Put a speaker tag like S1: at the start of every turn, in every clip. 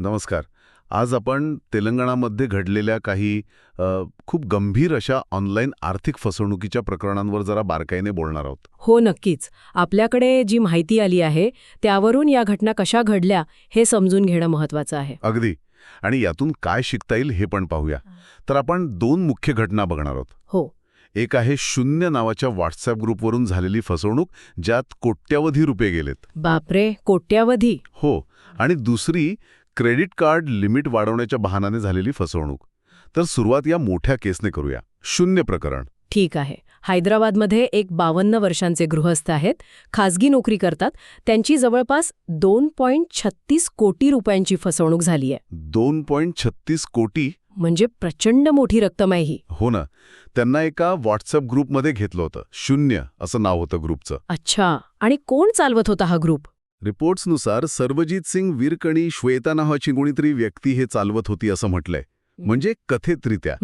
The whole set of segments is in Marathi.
S1: नमस्कार. आज आपण तेलंगणामध्ये घडलेल्या काही खूप गंभीर अशा ऑनलाईन आर्थिक फसवणुकीच्या प्रकरणांवर जरा बारकाईने बोलणार आहोत.
S2: हो, नक्कीच. आपल्याकडे जी माहिती आली आहे त्यावरून या घटना कशा घडल्या हे समजून घेणं महत्त्वाचं आहे.
S1: अगदी. आणि यातून काय शिकता येईल हे पण पाहूया. तर आपण दोन मुख्य घटना बघणार आहोत.
S2: हो.
S1: एक आहे शून्य नावाच्या व्हॉट्सअप ग्रुपवरून झालेली फसवणूक, ज्यात कोट्यवधी रुपये गेलेत.
S2: बापरे, कोट्यावधी.
S1: हो. आणि दुसरी क्रेडिट कार्ड लिमिट वाढवण्याच्या बहाण्याने झालेली फसवणूक. तर सुरुवात या मोठ्या केसने करूया. शून्य प्रकरण.
S2: ठीक आहे. हैदराबादमध्ये एक 52 वर्षांचे गृहस्थ आहेत, खासगी नोकरी करतात. त्यांची जवळपास 2.36 कोटी रुपयांची फसवणूक झाली आहे.
S1: 2.36 कोटी?
S2: म्हणजे प्रचंड मोठी रक्कम आहे ही.
S1: हो ना. त्यांना एका व्हॉट्सअप ग्रुपमध्ये घेतलं होतं. शून्य असं नाव होतं ग्रुपचं.
S2: अच्छा. आणि कोण चालवत होता हा ग्रुप?
S1: रिपोर्ट्सनुसार सर्वजीत सिंग विरकणी श्वेता नावाची कोणीतरी व्यक्ती हे चालवत होती असं म्हटलंय. म्हणजे कथितरित्या.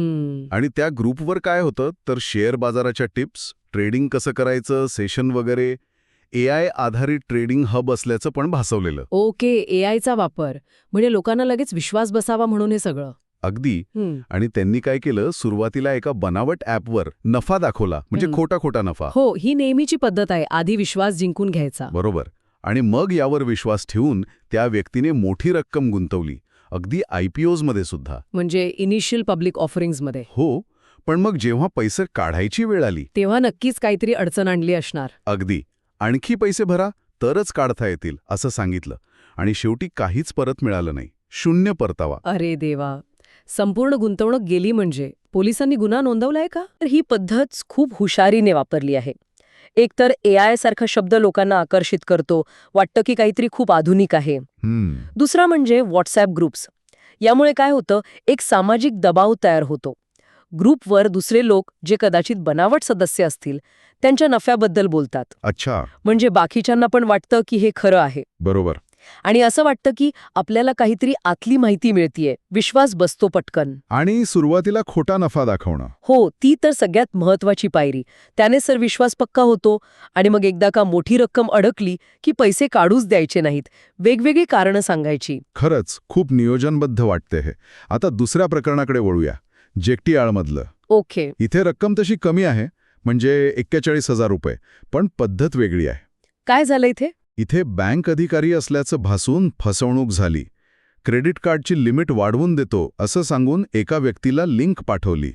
S1: आणि त्या ग्रुपवर काय होतं तर शेअर बाजाराच्या टिप्स, ट्रेडिंग कसं करायचं, सेशन वगैरे, AI आधारित ट्रेडिंग हब असल्याचं पण भासवलेलं.
S2: ओके, AIचा वापर. म्हणजे लोकांना लगेच विश्वास बसावा म्हणून हे सगळं.
S1: अगदी. आणि त्यांनी काय केलं, सुरुवातीला एका बनावट ॲपवर नफा दाखवला, म्हणजे खोटा खोटा नफा.
S2: हो, ही नेहमीची पद्धत आहे, आधी विश्वास जिंकून घ्यायचा.
S1: बरोबर. आणि मग यावर विश्वास ठेवून त्या व्यक्तीने मोठी रक्कम गुंतवली, अगदी IPOs मध्ये सुद्धा.
S2: म्हणजे इनिशियल पब्लिक ऑफरिंग्जमध्ये.
S1: हो. पण मग जेव्हा पैसे काढायची वेळ आली
S2: तेव्हा नक्कीच काहीतरी अडचण आणली असणार.
S1: अगदी. आणखी पैसे भरा तरच काढता येतील असं सांगितलं. आणि शेवटी काहीच परत मिळालं नाही. शून्य परतावा.
S2: अरे देवा, संपूर्ण गुंतवणूक गेली. म्हणजे पोलिसांनी गुन्हा नोंदवलाय का? तर ही पद्धत खूप हुशारीने वापरली आहे. एकतर AI सारखा शब्द लोकांना आकर्षित करतो, वाटतं की काहीतरी खूप आधुनिक आहे. दुसरा म्हणजे व्हॉट्सॲप ग्रुप्स. यामुळे काय होतं, एक सामाजिक दबाव तयार होतो. ग्रुपवर दुसरे लोक जे कदाचित बनावट सदस्य असतील त्यांच्या नफ्याबद्दल बोलतात.
S1: अच्छा.
S2: म्हणजे बाकीच्यांना पण वाटतं की हे खरं आहे.
S1: बरोबर.
S2: आणि असं वाटतं की आपल्याला काहीतरी आतली माहिती मिळतीये, विश्वास बसतो पटकन.
S1: आणि सुरुवातीला खोटा नफा दाखवणं.
S2: हो, ती तर सगळ्यात महत्वाची पायरी. त्याने सर विश्वास पक्का होतो. आणि मग एकदा का मोठी रक्कम अडकली की पैसे काढूच द्यायचे नाहीत, वेगवेगळी कारणं सांगायची.
S1: खरंच खूप नियोजनबद्ध वाटते हे. आता दुसऱ्या प्रकरणाकडे वळूया. जेकटीआळमधलं.
S2: ओके.
S1: इथे रक्कम तशी कमी आहे, म्हणजे 41,000 रुपये, पण पद्धत वेगळी आहे.
S2: काय झालं इथे?
S1: इथे बँक अधिकारी असल्याचं भासून फसवणूक झाली. क्रेडिट कार्डची लिमिट वाढवून देतो असं सांगून एका व्यक्तीला लिंक पाठवली.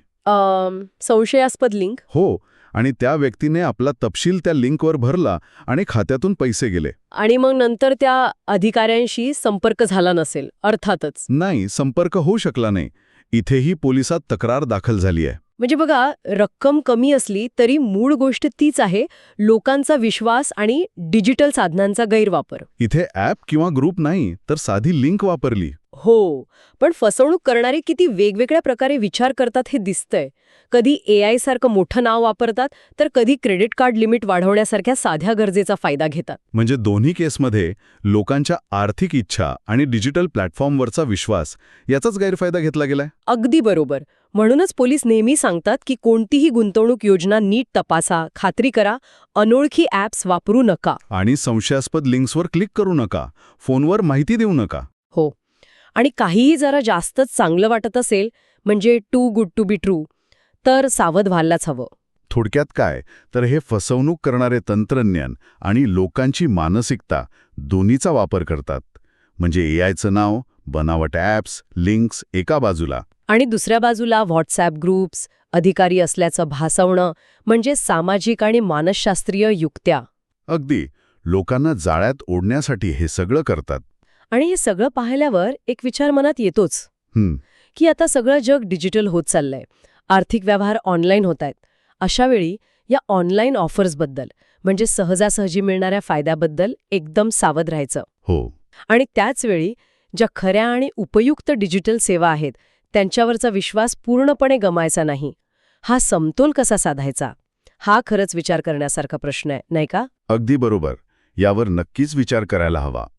S2: संशयास्पद लिंक.
S1: हो. आणि त्या व्यक्तीने आपला तपशील त्या लिंकवर भरला आणि खात्यातून पैसे गेले.
S2: आणि मग नंतर त्या अधिकाऱ्यांशी संपर्क झाला नसेल. अर्थातच.
S1: नाही, संपर्क होऊ शकला नाही. इथेही पोलिसात तक्रार दाखल झाली आहे.
S2: म्हणजे बघा, रक्कम कमी असली तरी मूळ गोष्ट तीच आहे, लोकांचा विश्वास आणि डिजिटल साधनांचा गैरवापर.
S1: इथे ॲप किंवा ग्रुप नाही, तर साधी लिंक वापरली.
S2: हो, पण फसवणूक करणारे किती वेगवेगळ्या प्रकारे विचार करतात हे दिसतंय. कधी AI सारखं मोठं नाव वापरतात, तर कधी क्रेडिट कार्ड लिमिट वाढवण्यासारख्या साध्या गरजेचा फायदा घेतात.
S1: म्हणजे दोन्ही केसमध्ये लोकांच्या आर्थिक इच्छा आणि डिजिटल प्लॅटफॉर्मवरचा विश्वास याचाच गैरफायदा घेतला गेलाय.
S2: अगदी बरोबर. म्हणूनच पोलीस नेहमी सांगतात की कोणतीही गुंतवणूक योजना नीट तपासा, खात्री करा, अनोळखी ॲप्स वापरू नका.
S1: आणि संशयास्पद लिंक्सवर क्लिक करू नका, फोनवर माहिती देऊ नका.
S2: हो. आणि काहीही जरा जास्तच चांगलं वाटत असेल, म्हणजे too good to be true, तर सावध व्हायलाच हवं.
S1: थोडक्यात काय तर हे फसवणूक करणारे तंत्रज्ञान आणि लोकांची मानसिकता दोन्हीचा वापर करतात. म्हणजे AIचं नाव, बनावट ॲप्स, लिंक्स एका बाजूला,
S2: आणि दुसऱ्या बाजूला व्हॉट्सॲप ग्रुप्स, अधिकारी असल्याचं भासवणं, म्हणजे सामाजिक आणि मानसशास्त्रीय युक्त्या.
S1: अगदी लोकांना जाळ्यात ओढण्यासाठी हे सगळं करतात.
S2: आणि हे सगळं पाहिल्यावर एक विचार मनात येतोच की आता सगळं जग डिजिटल होत चाललंय, आर्थिक व्यवहार ऑनलाईन होत आहेत. अशावेळी या ऑनलाईन ऑफर्सबद्दल, म्हणजे सहजासहजी मिळणाऱ्या फायद्याबद्दल एकदम सावध राहायचं.
S1: हो.
S2: आणि त्याचवेळी ज्या खऱ्या आणि उपयुक्त डिजिटल सेवा आहेत त्यांच्यावरचा विश्वास पूर्णपणे गमायचा नाही. हा समतोल कसा साधायचा, हा खरंच विचार करण्यासारखा प्रश्न आहे, नाही का?
S1: अगदी बरोबर. यावर नक्कीच विचार करायला हवा.